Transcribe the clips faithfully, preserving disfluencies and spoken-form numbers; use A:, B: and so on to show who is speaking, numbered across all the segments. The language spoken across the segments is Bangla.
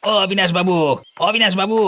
A: ও অবিনাশ বাবু, অবিনাশ বাবু,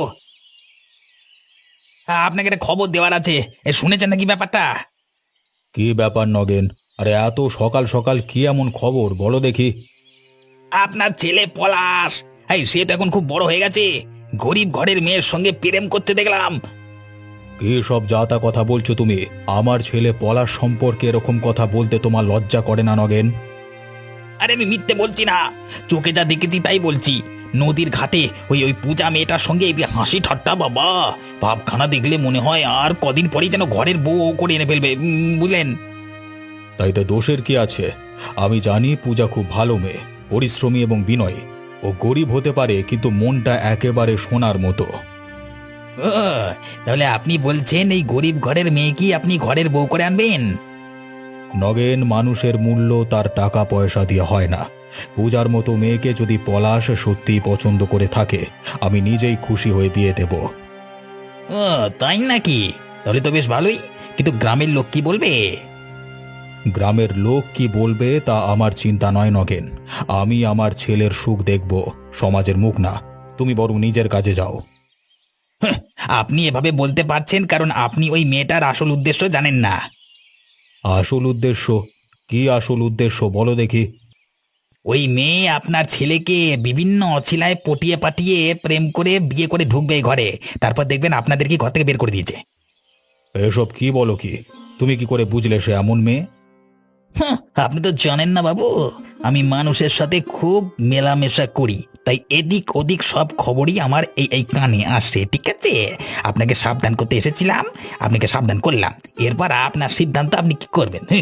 A: আপনাকে একটা খবর দেওয়ার আছে। এ, শুনেছেন নাকি ব্যাপারটা?
B: কি ব্যাপার নগেন? আরে এত সকাল সকাল কি এমন খবর বলো দেখি।
A: আপনার ছেলে পলাশ, এই সে তো এখন খুব বড় হয়ে গেছে। গরিব ঘরের মেয়ের সঙ্গে প্রেম করতে দেখলাম।
B: কি সব যা তা কথা বলছো তুমি? আমার ছেলে পলাশ সম্পর্কে এরকম কথা বলতে তোমার লজ্জা করে না নগেন?
A: আরে আমি মিথ্যে বলছি না, চোখে যা দেখেছি তাই বলছি। নদীর ঘাটে ওই ওই পূজা মেয়েটার সঙ্গে এই হাসি ঠাট্টা, বাবা ভাবখানা দেখলে মনে হয় আর কদিন পরেই যেন ঘরের বউ করে এনে ফেলবে, উম, বুঝলেন?
B: তাইতে দোষের কি আছে? আমি জানি পূজা খুব ভালো মেয়ে, পরিশ্রমী এবং বিনয়ী। ও গরিব হতে পারে কিন্তু মনটা একেবারে সোনার মতো।
A: ও, তাহলে আপনি বলছেন এই গরিব ঘরের মেয়েকে আপনি ঘরের বউ করে আনবেন?
B: নগেন, মানুষের মূল্য তার টাকা পয়সা দিয়ে হয় না। পূজার মতো মেয়েকে যদি পলাশ সত্যিই পছন্দ করে থাকে, আমি নিজেই খুশি হয়ে বিয়ে দেব।
A: ও, তাই নাকি? তাহলে তো বেশ ভালোই, কিন্তু গ্রামের লোক কি বলবে?
B: গ্রামের লোক কি বলবে তা আমার চিন্তা নয় নগেন। আমি আমার ছেলের সুখ দেখব, সমাজের মুখ না। তুমি বরং নিজের কাজে যাও।
A: হ্যাঁ, আপনি এভাবে বলতে পারছেন কারণ আপনি ওই মেয়েটার আসল উদ্দেশ্য জানেন না।
B: আসল উদ্দেশ্য? কি আসল উদ্দেশ্য বলো দেখি।
A: ওই মেয়ে আপনার ছেলেকে বিভিন্ন অছিলায় পটিয়ে পাটিয়ে প্রেম করে বিয়ে করে ঢুকবে এই ঘরে, তারপর দেখবেন আপনাদেরকে ঘর থেকে বের করে দিয়েছে।
B: এসব কি বলো কি? তুমি কি করে বুঝলে সে এমন মেয়ে?
A: হ্যাঁ, আপনি তো জানেন না বাবু, আমি মানুষের সাথে খুব মেলামেশা করি, তাই এদিক ওদিক সব খবরই আমার এই এই কানে আসে, ঠিক আছে? আপনাকে সাবধান করতে এসেছিলাম, আপনাকে সাবধান করলাম। এরপর আপনার সিদ্ধান্ত, আপনি কি করবেন। হ্যাঁ,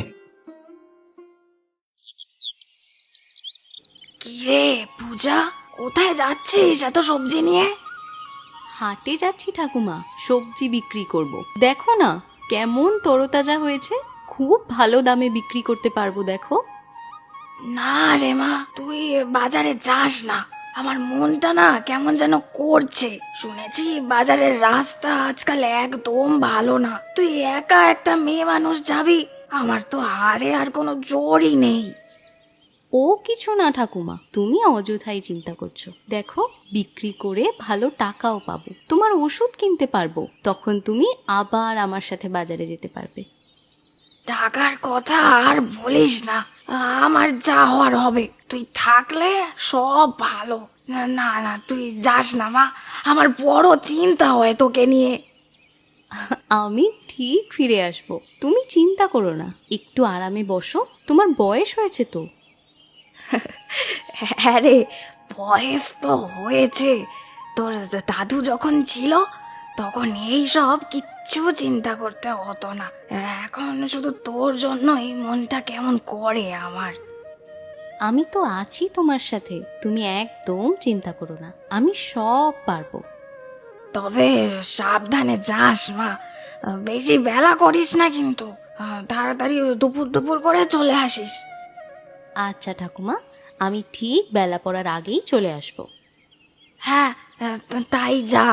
C: কি রে পূজা, কোথায় যাচ্ছিস এত সবজি নিয়ে?
D: হাটে যাচ্ছি ঠাকুমা, সবজি বিক্রি করব। দেখো না কেমন তরতাজা হয়েছে, খুব ভালো দামে বিক্রি করতে পারবো দেখো।
C: না রে মা, তুই বাজারে যাস না। আমার মনটা না কেমন যেন করছে। শুনেছি বাজারের রাস্তা আজকাল একদম ভালো না। তুই একা একটা মেয়ে মানুষ যাবি, আমার তো হারে আর কোনো জোরই নেই।
D: ও কিছু না ঠাকুমা, তুমি অযথাই চিন্তা করছো। দেখো বিক্রি করে ভালো টাকাও পাবো, তোমার ওষুধ কিনতে পারবো, তখন তুমি আবার আমার সাথে বাজারে যেতে পারবে।
C: টাকার কথা আর বলিস না, আমার যা হওয়ার হবে। তুই থাকলে সব ভালো। না না, তুই যাস না মা, আমার বড় চিন্তা হয় তোকে নিয়ে।
D: আমি ঠিক ফিরে আসবো, তুমি চিন্তা করো না। একটু আরামে বসো, তোমার বয়স হয়েছে তো।
C: হ্যাঁ রে, বয়স তো হয়েছে। তোর দাদু যখন ছিল তখন এই সব কিচ্ছু চিন্তা করতে হতো না। এখন শুধু তোর জন্য এই মনটা কেমন করে আমার।
D: আমি তো আছি তোমার সাথে, তুমি একদম চিন্তা করো না, আমি সব পারবো।
C: তবে সাবধানে যাস মা, বেশি বেলা করিস না কিন্তু। তাড়াতাড়ি দুপুর দুপুর করে চলে আসিস।
D: আচ্ছা ঠাকুমা, আমি ঠিক বেলা পড়ার আগেই চলে আসবো।
C: হ্যাঁ, তাই যা।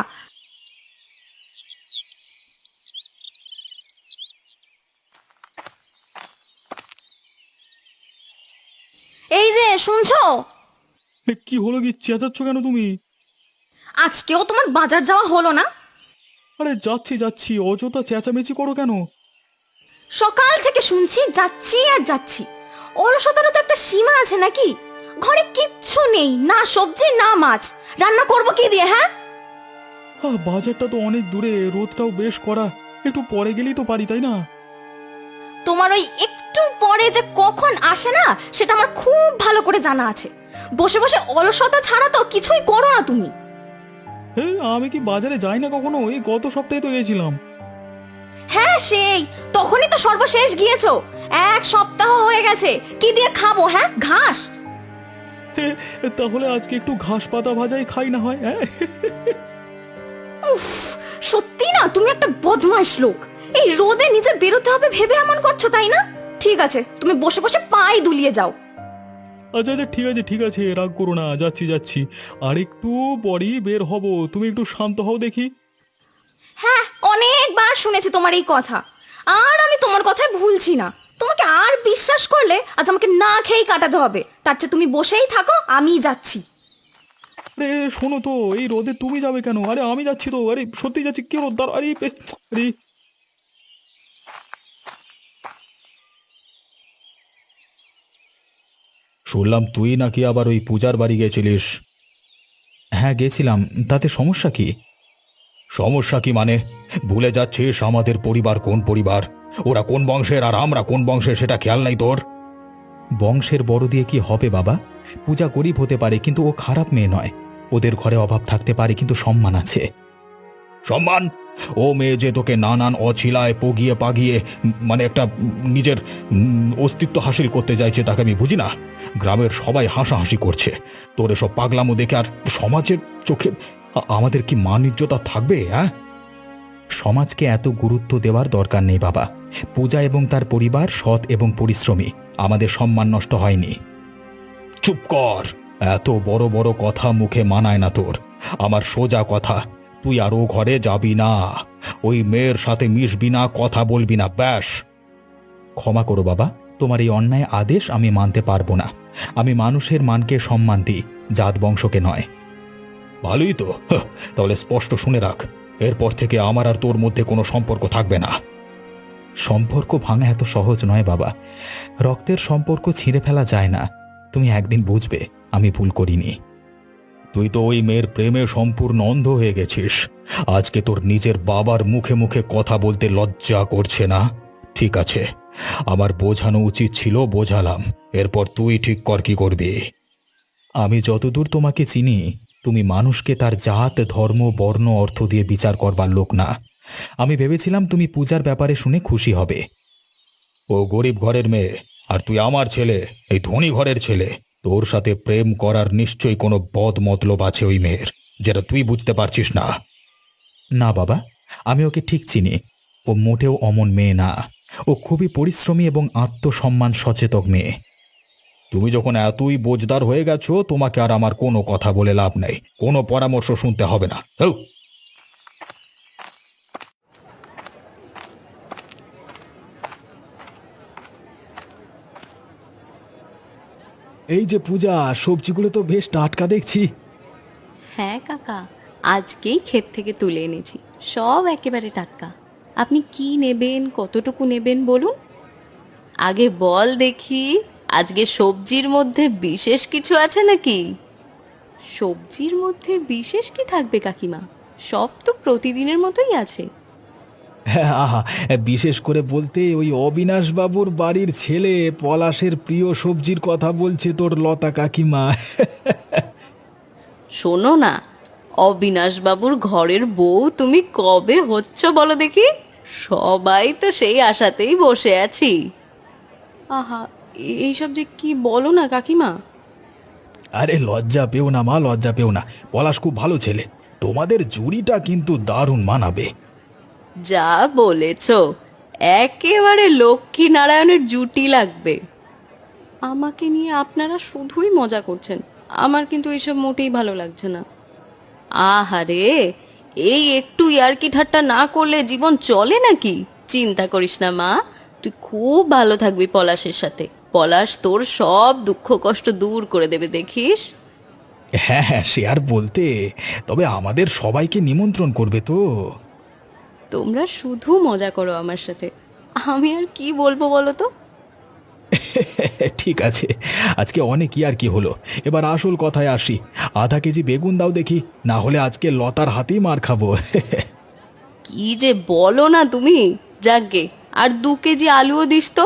C: এই যে শুনছো,
B: কি হলো? কি চেঁচাচ্ছ কেন তুমি?
C: আজকেও তোমার বাজার যাওয়া হলো না?
B: আরে যাচ্ছি যাচ্ছি, অযথা চেঁচামেচি করো কেন?
C: সকাল থেকে শুনছি যাচ্ছি আর যাচ্ছি। অলসতারও তো একটা সীমা আছে নাকি? ঘরে কিচ্ছু নেই, না সবজি না মাছ, রান্না করব কি দিয়ে? হ্যাঁ,
B: আহ, বাজারটা তো অনেক দূরে, রোদটাও বেশ কড়া, একটু পরে গেলেই তো পারি, তাই না?
C: তোমার ওই একটু পরে যে কখন আসে না সেটা আমার খুব ভালো করে জানা আছে। বসে বসে অলসতা ছাড়া তো কিছুই করো না তুমি।
B: হে, আমি কি বাজারে যাই না কখনো? এই গত সপ্তাহে তো গেছিলাম।
C: হ্যাঁ সেই, তখনই তো সর্বশেষ গিয়েছো। এক সপ্তাহ হয়ে গেছে, কি দিয়ে খাবো? হ্যাঁ, ঘাস।
B: হে, তাহলে আজকে একটু ঘাস পাতা ভাজাই খাই না হয়? হ্যাঁ,
C: উফ, সত্যি না তুমি একটা বদমাইশ লোক। এই রোদে নিজে বেরোতে হবে ভেবে এমন করছো, তাই না? ঠিক আছে, তুমি বসে বসে পাই দুলিয়ে যাও।
B: আচ্ছা আচ্ছা, ঠিক আছে ঠিক আছে, রাগ করো না, যাচ্ছি যাচ্ছি। আর একটু পরেই বের হব, তুমি একটু শান্ত হও দেখি।
C: হ্যাঁ, অনেকবার শুনেছি তোমার এই কথা, আর আমি তোমার কথায় ভুলছি না। তোমাকে আর বিশ্বাস করলে আজ আমাকে না খেয়েই কাটাতে হবে। তার চেয়ে তুমি বসেই থাকো, আমি যাচ্ছি।
B: আরে শোনো তো, এই রোদে তুমি যাবে কেন? আরে আমি যাচ্ছি তো, আরে সত্যি যাচ্ছি, কি রোদ দাঁড়, আরে এ, আরে শুনলাম তুই নাকি আবার ওই পূজার বাড়ি গেছিলিস। হ্যাঁ গেছিলাম, তাতে সমস্যা কি? সমস্যা কি মানে? ভুলে যাচ্ছিস আমাদের পরিবার কোন পরিবার, ওরা কোন বংশের আর আমরা কোন বংশের, সেটা খেয়াল নাই তোর? বংশের বড় দিয়ে কি হবে বাবা? পূজা গরিব হতে পারে কিন্তু ও খারাপ মেয়ে নয়। ওদের ঘরে অভাব থাকতে পারে কিন্তু সম্মান আছে। সম্মান? ও মেয়ে যে তোকে নানান অছিলায় পগিয়ে পাগিয়ে উম, মানে একটা উম, নিজের উম, অস্তিত্ব হাসিল করতে চাইছে, তাকে আমি বুঝি না। গ্রামের সবাই হাসাহাসি করছে তোর এসব পাগলামো দেখে, আর সমাজের চোখে আ- আমাদের কি মান ইজ্জত আর থাকবে? হ্যাঁ, সমাজকে এত গুরুত্ব দেওয়ার দরকার নেই বাবা। পূজা এবং তার পরিবার সৎ এবং পরিশ্রমী, আমাদের সম্মান নষ্ট হয়নি। চুপ কর, এত বড় বড় কথা মুখে মানায় না তোর। আমার সোজা কথা, তুই আর ও ঘরে যাবি না, ওই মেয়ের সাথে মিশবি না, কথা বলবি না, ব্যাস। ক্ষমা করো বাবা, তোমার এই অন্যায় আদেশ আমি মানতে পারবো না। আমি মানুষের মানকে সম্মান দিই, জাত বংশকে নয়। ভালোই তো, হাহ, তাহলে স্পষ্ট শুনে রাখ, এরপর থেকে আমার আর তোর মধ্যে কোনো সম্পর্ক থাকবে না। সম্পর্ক ভাঙা এত সহজ নয় বাবা, রক্তের সম্পর্ক ছিঁড়ে ফেলা যায় না। তুমি একদিন বুঝবে আমি ভুল করিনি। তুই তো ওই মেয়ের প্রেমে সম্পূর্ণ অন্ধ হয়ে গেছিস। আজকে তোর নিজের বাবার মুখে মুখে কথা বলতে লজ্জা করছে না? ঠিক আছে, আমার বোঝানো উচিত ছিল, বোঝালাম। এরপর তুই ঠিক কর কি করবি। আমি যতদূর তোমাকে চিনি, তুমি মানুষকে তার জাত ধর্ম বর্ণ অর্থ দিয়ে বিচার করবার লোক না। আমি ভেবেছিলাম তুমি পূজার ব্যাপারে শুনে খুশি হবে। ও গরিব ঘরের মেয়ে, আর তুই আমার ছেলে, এই ধনী ঘরের ছেলে। তোর সাথে প্রেম করার নিশ্চয়ই কোনো বদ মতলব আছে ওই মেয়ের, যেটা তুই বুঝতে পারছিস না। না বাবা, আমি ওকে ঠিক চিনি। ও মোটেও অমন মেয়ে না। ও খুবই পরিশ্রমী এবং আত্মসম্মান সচেতক মেয়ে। তুমি যখন এতই বোঝদার হয়ে গেছো, তোমাকে আর আমার কোনো কথা বলে লাভ নেই, কোনো পরামর্শ শুনতে হবে না। হ্যাঁ, এই যে পূজা, সবজিগুলো তো বেশ টাটকা দেখছি।
D: হ্যাঁ কাকা, আজকেই ক্ষেত থেকে তুলে এনেছি, সব একেবারে টাটকা। আপনি কি নেবেন, কতটুকু নেবেন বলুন? আগে বল দেখি, আজকে সবজির মধ্যে বিশেষ কিছু আছে নাকি? সবজির মধ্যে বিশেষ কি থাকবে কাকিমা? সব তো প্রতিদিনের মতোই আছে।
B: হ্যাঁ, আহা, বিশেষ করে বলতে ওই অবিনাশ বাবুর বাড়ির ছেলে পলাশের প্রিয় সবজির কথা বলছে তোর লতা কাকিমা।
D: শোনো না, অবিনাশ বাবুর ঘরের বউ তুমি কবে হচ্ছ বলো দেখি? সবাই তো সেই আশাতেই বসে আছি। আহা, এইসব যে কি বলো না কাকিমা।
B: আরে লজ্জা পেও না মা, লজ্জা পেও না। পলাশ খুব ভালো ছেলে, তোমাদের জুড়িটা কিন্তু দারুণ মানাবে।
D: যা বলেছ, একেবারে লক্ষ্মী নারায়ণের জুটি লাগবে। আমাকে নিয়ে আপনারা শুধুই মজা করছেন, আমার কিন্তু এসব মোটেই ভালো লাগছে না। আহারে, এই একটু ইয়ার্কি ঠাট্টা না করলে জীবন চলে নাকি? চিন্তা করিস না মা, তুই খুব ভালো থাকবি পলাশের সাথে। পলাশ তোর সব দুঃখ কষ্ট দূর করে দেবে, দেখিস।
B: হ্যাঁ হ্যাঁ, সে আর বলতে, তবে আমাদের সবাইকে নিমন্ত্রণ করবে তো।
D: তোমরা শুধু মজা করো আমার সাথে, আমি আর কি বলবো বলো তো।
B: ঠিক আছে, আজকে অনেক কি আর কি হলো, এবার আসল কথায় আসি। আধা কেজি বেগুন দাও দেখি, না হলে আজকে লতার হাতেই মার খাবো।
D: কি যে বলো না তুমি। যাকগে, আর দু কেজি আলুও দিস তো।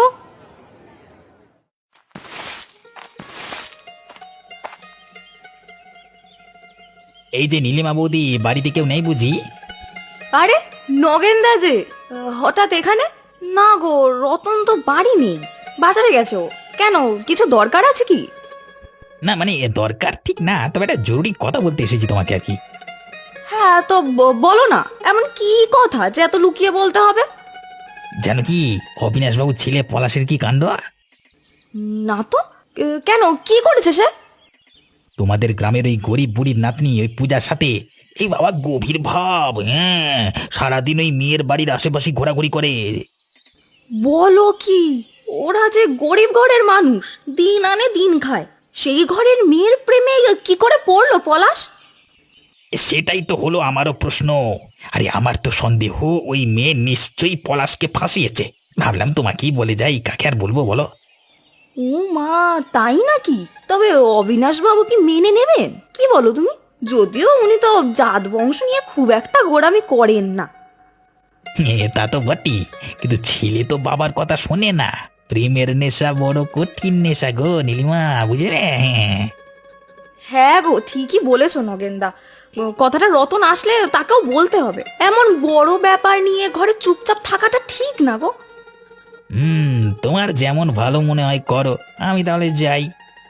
A: এই যে নীলিমা বৌদি, বাড়িতে কেউ নেই বুঝি?
C: আরে নগেনদা যে আহ, হঠাৎ এখানে? না গো, রতন তো বাড়ি নেই, বাজারে গেছো। কেন, কিছু দরকার আছে কি?
A: না মানে দরকার ঠিক না, তবে একটা জরুরি কথা বলতে এসেছি তোমাকে আর কি।
C: হ্যাঁ তো ব- বলো না, এমন কি কথা যে এত লুকিয়ে বলতে হবে?
A: জানো কি অবিনাশবাবু ছেলে পলাশের কি কাণ্ড?
C: না তো, এ, কেন, কি করেছে সে?
A: তোমাদের গ্রামের ওই গরিব বুড়ির নাতনি ওই পূজার সাথে, এই বাবা গভীর ভাব, হ্যাঁ, সারাদিন ওই মেয়ের বাড়ির আশেপাশে ঘোরাঘুরি করে।
C: বলো কি? ওরা যে গরিব ঘরের মানুষ, দিন আনে দিন খায়, সেই ঘরের মেয়ের প্রেমে কি করে পড়লো পলাশ?
A: সেটাই তো হলো আমারও প্রশ্ন। আরে আমার তো সন্দেহ ওই মেয়ে নিশ্চয়ই পলাশকে ফাঁসিয়েছে। ভাবলাম তোমাকেই বলে যাই, কাকে আর বলবো বলো।
E: ও মা, তাই নাকি? তবে অবিনাশ বাবু কি মেনে নেবেন? কি বলো তুমি? যদিও উনি তো জাত বংশ নিয়ে খুব একটা গোড়ামি করেন না।
A: এ, তা তো বটি, কিন্তু ছেলে তো বাবার কথা শোনে না। প্রেমের নেশা বড় কঠিন নেশা গো নীলিমা, বুঝলে?
E: হ্যাঁ গো, ঠিকই বলেছো নগেনদা। কথাটা রতন আসলে তাকেও বলতে হবে। এমন বড় ব্যাপার নিয়ে ঘরে চুপচাপ থাকাটা ঠিক না গো।
A: হুম, তোমার যেমন ভালো মনে হয় করো, আমি তাহলে যাই।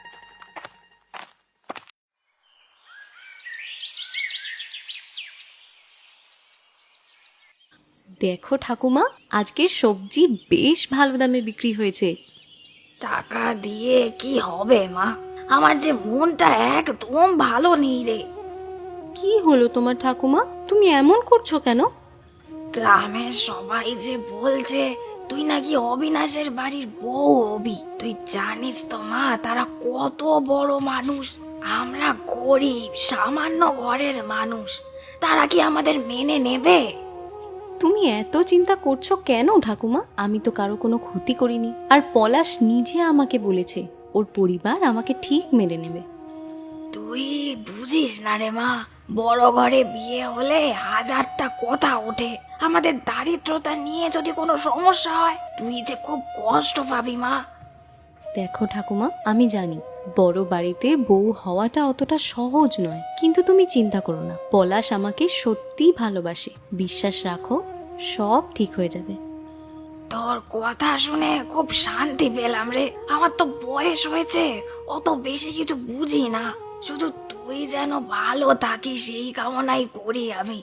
D: দেখো ঠাকুমা, আজকের সবজি বেশ ভালো দামে বিক্রি হয়েছে।
C: টাকা দিয়ে কি হবে মা? আমার যে মনটা একদম ভালো নেই রে।
D: কি হলো তোমার ঠাকুমা? তুমি এমন করছো কেন?
C: গ্রামের সবাই যে বলছে তুই নাকি অবিনাশের বাড়ির বউ হবি। তুই জানিস তো মা, তারা কত বড় মানুষ, আমরা গরিব সামান্য ঘরের মানুষ। তারা কি আমাদের মেনে নেবে?
D: তুমি এত চিন্তা করছো কেন ঠাকুমা? আমি তো কারো কোনো ক্ষতি করিনি। আর পলাশ নিজে আমাকে বলেছে ওর পরিবার আমাকে ঠিক মেনে নেবে।
C: তুই বুঝিস না রে মা, বড় ঘরে বিয়ে হলে হাজারটা কথা ওঠে। আমাদের দারিদ্রতা নিয়ে যদি কোনো সমস্যা হয়, তুই যে খুব কষ্ট পাবি মা।
D: দেখো ঠাকুমা, আমি জানি বড় বাড়িতে বউ হওয়াটা অতটা সহজ নয়, কিন্তু তুমি চিন্তা করো না, পলাশ আমাকে সত্যিই ভালোবাসে। বিশ্বাস রাখো, সব ঠিক হয়ে যাবে।
C: তোর কথা শুনে খুব শান্তি পেলাম রে। আমার তো বয়স হয়েছে, অত বেশি কিছু বুঝি না। শুধু তুই যেন ভালো থাকিস সেই কামনাই করি আমি।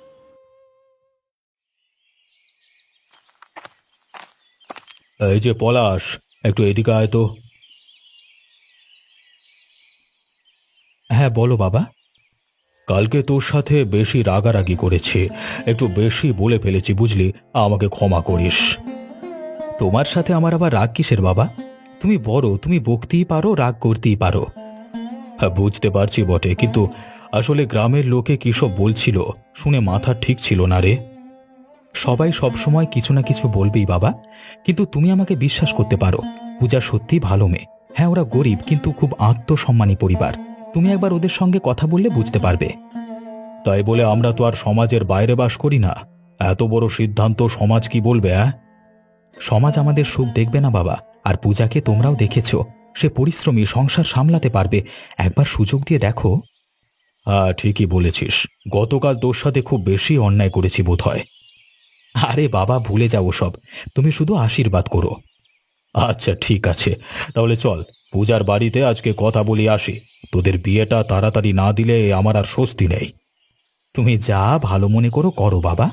B: এই যে পলাশ, একটু এদিকে আয় তো। হ্যাঁ বলো বাবা। কালকে তোর সাথে বেশি রাগারাগি করেছি, একটু বেশি বলে ফেলেছি বুঝলি, আমাকে ক্ষমা করিস। তোমার সাথে আমার আবার রাগ কিসের বাবা? তুমি বড়, তুমি বকতেই পারো, রাগ করতেই পারো। হ্যাঁ বুঝতে পারছি বটে, কিন্তু আসলে গ্রামের লোকে কি সব বলছিল শুনে মাথা ঠিক ছিল না রে। সবাই সব সময় কিছু না কিছু বলবেই বাবা, কিন্তু তুমি আমাকে বিশ্বাস করতে পারো, পূজা সত্যি ভালো মেয়ে। হ্যাঁ ওরা গরিব, কিন্তু খুব আত্মসম্মানী পরিবার। তুমি একবার ওদের সঙ্গে কথা বললে বুঝতে পারবে। তাই বলে আমরা তো আর সমাজের বাইরে বাস করি না। এত বড় সিদ্ধান্ত সমাজ কি বলবে? হ্যাঁ, সমাজ আমাদের সুখ দেখবে না বাবা। আর পূজাকে তোমরাও দেখেছো, সে পরিশ্রমী, সংসার সামলাতে পারবে। একবার সুযোগ দিয়ে দেখো। হ্যাঁ ঠিকই বলেছিস, গতকাল তোর সাথে খুব বেশি অন্যায় করেছি বোধহয়। আরে বাবা ভুলে যাও সব, তুমি শুধু আশীর্বাদ করো। আচ্ছা ঠিক আছে, তাহলে চল পূজার বাড়িতে আজকে কথা বলি আসি। তোদের বিয়েটা তাড়াতাড়ি না দিলে আমার আর স্বস্তি নেই। তুমি যা ভালো মনে করো করো বাবা।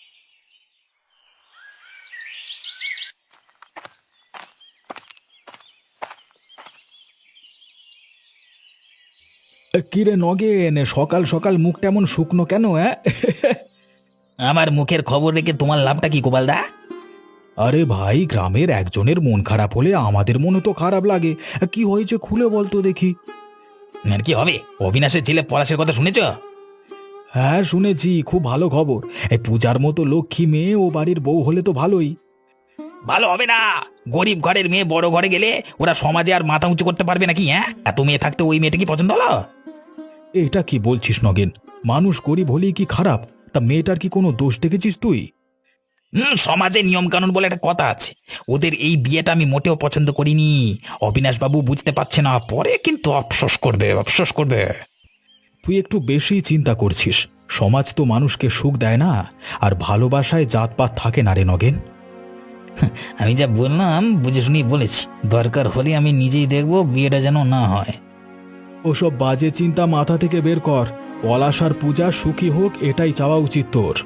B: কিরে নগেন, সকাল সকাল মুখটা এমন শুকনো কেন? হ্যাঁ
A: আমার মুখের খবর রেখে তোমার লাভটা কি গোপালদা?
B: আরে ভাই, গ্রামের একজনের মন খারাপ হলে আমাদের মনও তো খারাপ লাগে। কি হয়েছে খুলে বলতো দেখি।
A: আর কি হবে? অবিনাশের ছেলে পলাশের কথা শুনেছ?
B: হ্যাঁ শুনেছি, খুব ভালো খবর। এই পূজার মতো লক্ষ্মী মেয়ে ও বাড়ির বউ হলে তো ভালোই।
A: ভালো হবে না। গরিব ঘরের মেয়ে বড় ঘরে গেলে ওরা সমাজে আর মাথা উঁচু করতে পারবে নাকি? হ্যাঁ, এত মেয়ে থাকতে ওই মেয়েটা কি পছন্দ হলো?
B: এটা কি বলছিস নগেন? মানুষ গরিব হলেই কি খারাপ? তা মেয়েটার কি কোনো দোষ দেখেছিস তুই?
A: হুম, সমাজে নিয়ম কানুন বলে একটা কথা আছে। ওদের এই বিয়েটা আমি মোটেও পছন্দ করিনি। অবিনাশ বাবু বুঝতে পারছে না, পরে কিন্তু আফসোস করবে, আফসোস করবে।
B: তুই একটু বেশি চিন্তা করছিস। সমাজ তো মানুষকে সুখ দেয় না, আর ভালোবাসায় জাতপাত থাকে না রে নগেন।
A: আমি যা বললাম বুঝে শুনি বলেছি। দরকার হলে আমি নিজেই দেখবো বিয়েটা যেন না হয়।
B: ওসব বাজে চিন্তা মাথা থেকে বের কর। পলাশ আর পূজা সুখী হোক, এটাই চাওয়া উচিত তোর।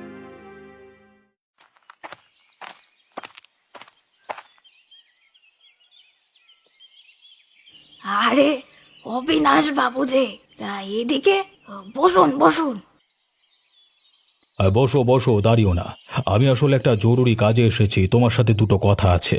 C: আরে অবিনাশ বাবু যে, তা এদিকে বসুন বসুন।
B: আর বসো বসো, দাঁড়িও না। আমি আসলে একটা জরুরি কাজে এসেছি, তোমার সাথে দুটো কথা আছে।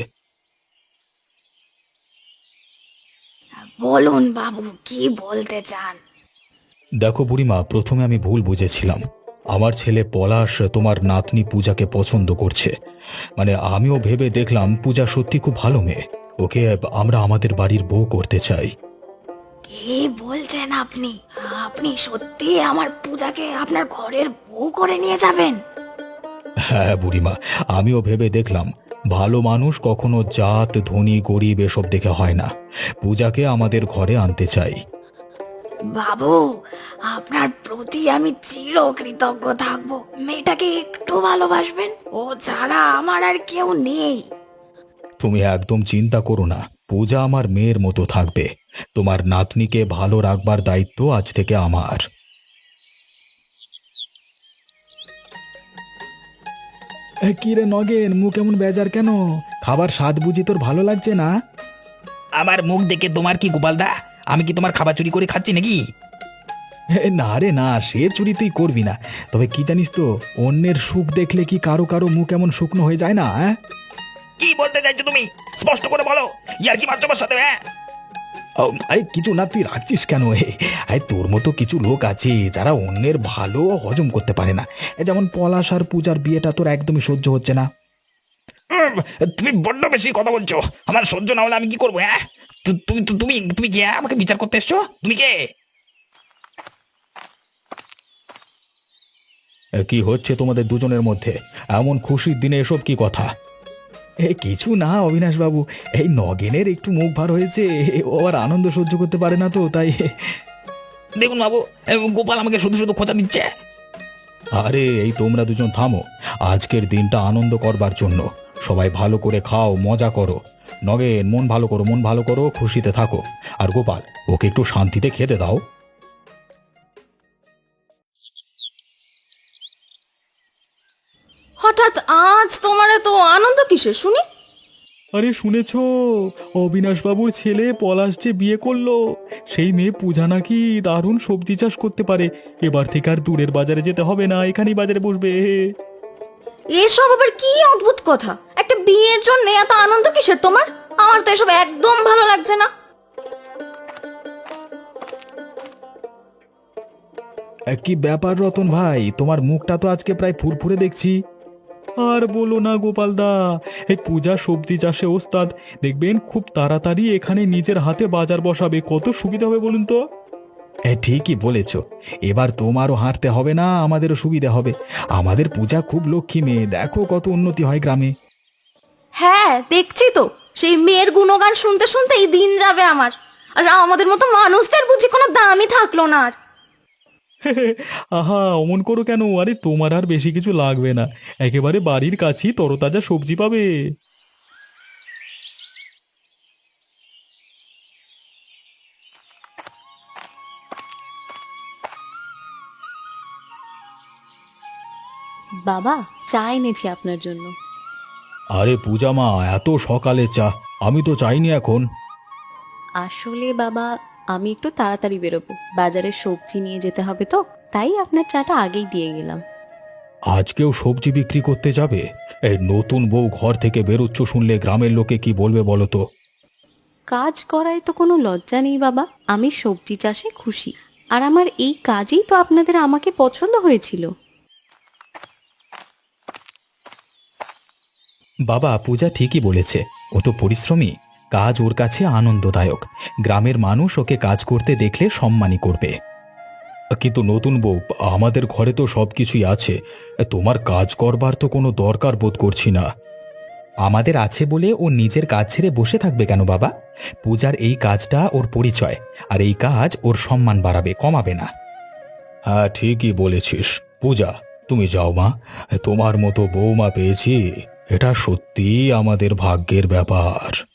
C: বলুন বাবু, কি বলতে চান?
B: দেখো বুড়িমা, প্রথমে আমি ভুল বুঝেছিলাম। আমার ছেলে পলাশ তোমার নাতনি পূজাকে পছন্দ করছে। মানে আমিও ভেবে দেখলাম পূজা সত্যি খুব ভালো মেয়ে, ওকে আমরা আমাদের বাড়ির বউ করতে চাই।
C: কি বলছেন আপনি? আপনি সত্যি আমার পূজাকে আপনার ঘরের বউ করে নিয়ে যাবেন?
B: হ্যাঁ বুড়িমা, আমিও ভেবে দেখলাম ভালো মানুষ কখনো জাত ধনী গরিব এসব দেখে হয় না। পূজাকে আমাদের ঘরে আনতে চাই।
C: বাবু, আপনার প্রতি আমি চির কৃতজ্ঞ থাকবো। মেয়েটাকে একটু ভালোবাসবেন, ও ছাড়া আমার আর কেউ নেই।
B: তুমি একদম চিন্তা করো না, পূজা আমার মেয়ের মতো থাকবে। তোমার নাতনিকে ভালো রাখবার দায়িত্ব আজ থেকে আমার।
F: কি রে নগেন, মুখ এমন বেজার কেন? খাবার স্বাদ বুঝি তোর ভালো লাগছে না?
A: আমার মুখ দেখে তোমার কি গোপালদা? আমি কি তোমার খাবার চুরি করে খাচ্ছি নাকি?
F: এ, না রে না, সে চুরি তুই করবি না। তবে কি জানিস তো, অন্যের সুখ দেখলে কি কারো কারো মুখ এমন শুকনো হয়ে যায় না? হ্যাঁ,
A: কি বলতে চাইছো তুমি? স্পষ্ট করে বলো, ইয়ার কি মারছো আমার সাথে? হ্যাঁ,
F: ও, এই কিছু না, তুই রাখছিস কেন? এ এই তোর মতো কিছু লোক আছে যারা অন্যের ভালো হজম করতে পারে না। এ যেমন পলাশ আর পূজার বিয়েটা তোর একদমই সহ্য হচ্ছে না।
A: উম, তুমি বড্ড বেশি কথা বলছো। আমার সহ্য না হলে আমি কি করবো? হ্যাঁ, তু- তুমি তু- তুমি তুমি কে? হ্যাঁ? আমাকে বিচার করতে এসছো? তুমি কে?
B: এ, কি হচ্ছে তোমাদের দুজনের মধ্যে? এমন খুশির দিনে এসব কি কথা?
F: এ কিছু না অবিনাশ বাবু, এই নগেনের একটু মুখ ভার হয়েছে, ও আর আনন্দ সহ্য করতে পারে না তো তাই।
A: দেখুন বাবু, এ, গোপাল আমাকে শুধু শুধু খোঁচা দিচ্ছে।
B: আরে এই তোমরা দুজন থামো। আজকের দিনটা আনন্দ করবার জন্য। সবাই ভালো করে খাও, মজা করো। নগেন, মন ভালো করো, মন ভালো করো, খুশিতে থাকো। আর গোপাল, ওকে একটু শান্তিতে খেতে দাও।
E: হঠাৎ আজ তোমার এত আনন্দ কিসের শুনি?
F: আরে শুনেছ, অবিনাশ বাবুর ছেলে পলাশ যে বিয়ে করলো, সেই মেয়ে পূজা নাকি দারুণ সবজি চাষ করতে পারে। এবার থেকে আর দূরের বাজারে যেতে হবে না, এখানেই বাজারে বসবে।
E: এসব আবার কি অদ্ভুত কথা! একটা বিয়ের জন্য এত আনন্দ কিসের তোমার? আমার তো এসব একদম ভালো লাগছে না।
F: এ, কি ব্যাপার রতন ভাই, তোমার মুখটা তো আজকে প্রায় ফুরফুরে দেখছি। আর বলো না গোপালদা, এই পূজা সবজি চাষে ওস্তাদ। দেখবেন খুব তাড়াতাড়ি এখানে নিজের হাতে বাজার বসাবে, কত সুবিধা হবে বলুন তো। এ, ঠিকই বলেছ, এবার তোমারও হাঁটতে হবে না, আমাদেরও সুবিধা হবে। আমাদের পূজা খুব লক্ষ্মী মেয়ে, দেখো কত উন্নতি হয় গ্রামে।
E: হ্যাঁ, দেখছি তো, সেই মেয়ের গুণগান শুনতে শুনতে এই দিন যাবে আমার। আর আমাদের মতো মানুষদের বুঝি কোনো দামই থাকলো না আর।
F: আহা, অমন করো কেন? আরে তোমার আর বেশি কিছু লাগবে না, একেবারে বাড়ির কাছেই তরতাজা সবজি পাবে।
D: বাবা, চা এনেছি আপনার জন্য।
B: আরে পূজা মা, এত সকালে চা? আমি তো চাইনি এখন।
D: আসলে বাবা, আমি একটু তাড়াতাড়ি বেরোবো, বাজারে সবজি নিয়ে যেতে হবে তো, তাই আপনার চাটা আগেই দিয়ে গেলাম।
B: আজকেও সবজি বিক্রি করতে যাবে? এই নতুন বউ ঘর থেকে বেরোচ্ছ শুনলে গ্রামের লোকে কি বলবে বলো তো?
D: কাজ করায় তো কোনো লজ্জা নেই বাবা, আমি সবজি চাষে খুশি। আর আমার এই কাজেই তো আপনাদের আমাকে পছন্দ হয়েছিল।
F: বাবা, পূজা ঠিকই বলেছে, ও তো পরিশ্রমী, কাজ ওর কাছে আনন্দদায়ক। গ্রামের মানুষ ওকে কাজ করতে দেখলে সম্মানই করবে।
B: কিন্তু নতুন বউ, আমাদের ঘরে তো সব কিছুই আছে, তোমার কাজ করবার তো কোনো দরকার বোধ করছি না।
F: আমাদের আছে বলে ও নিজের কাজ ছেড়ে বসে থাকবে কেন বাবা? পূজার এই কাজটা ওর পরিচয়, আর এই কাজ ওর সম্মান বাড়াবে, কমাবে না।
B: হ্যাঁ, ঠিকই বলেছিস। পূজা, তুমি যাও মা, তোমার মতো বৌমা পেয়েছি, এটা সত্যিই আমাদের ভাগ্যের ব্যাপার।